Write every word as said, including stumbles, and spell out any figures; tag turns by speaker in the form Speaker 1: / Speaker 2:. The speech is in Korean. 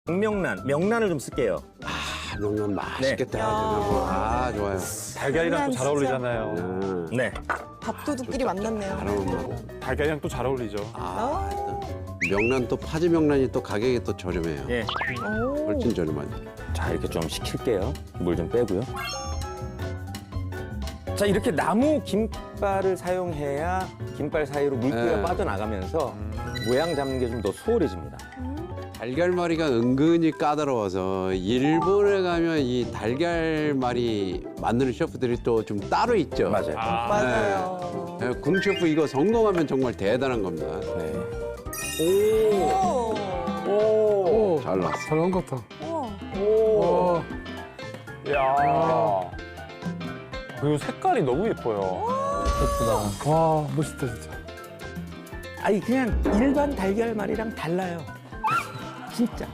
Speaker 1: 명란, 명란을 좀 쓸게요.
Speaker 2: 아, 명란 맛있겠다.
Speaker 3: 네.
Speaker 2: 아, 좋아요.
Speaker 4: 달걀이랑 또 잘
Speaker 3: 진짜.
Speaker 4: 어울리잖아요.
Speaker 2: 음,
Speaker 1: 네.
Speaker 3: 밥도둑끼리 만났네요.
Speaker 2: 잘 어울린다.
Speaker 4: 달걀이랑 또 잘 어울리죠.
Speaker 2: 아, 또 명란 또 파지 명란이 또 가격이 또 저렴해요.
Speaker 1: 예.
Speaker 3: 오.
Speaker 2: 훨씬 저렴하죠.
Speaker 1: 자, 이렇게 좀 식힐게요. 물 좀 빼고요. 자, 이렇게 나무 김발을 사용해야 김발 사이로 물기가
Speaker 2: 네.
Speaker 1: 빠져나가면서 모양 잡는 게 좀 더 수월해집니다.
Speaker 2: 달걀말이가 은근히 까다로워서 일본에 가면 이 달걀말이 만드는 셰프들이 또 좀 따로 있죠.
Speaker 1: 맞아요.
Speaker 3: 맞아요.
Speaker 2: 네, 궁 셰프 이거 성공하면 정말 대단한 겁니다.
Speaker 1: 네.
Speaker 3: 오.
Speaker 4: 오,
Speaker 2: 잘 나왔어.
Speaker 4: 잘 나온 것 같아.
Speaker 3: 우와.
Speaker 4: 오, 야. 그리고 색깔이 너무 예뻐요. 예쁘다. 와, 멋있다 진짜.
Speaker 1: 아니, 그냥 일반 달걀말이랑 달라요. 진짜.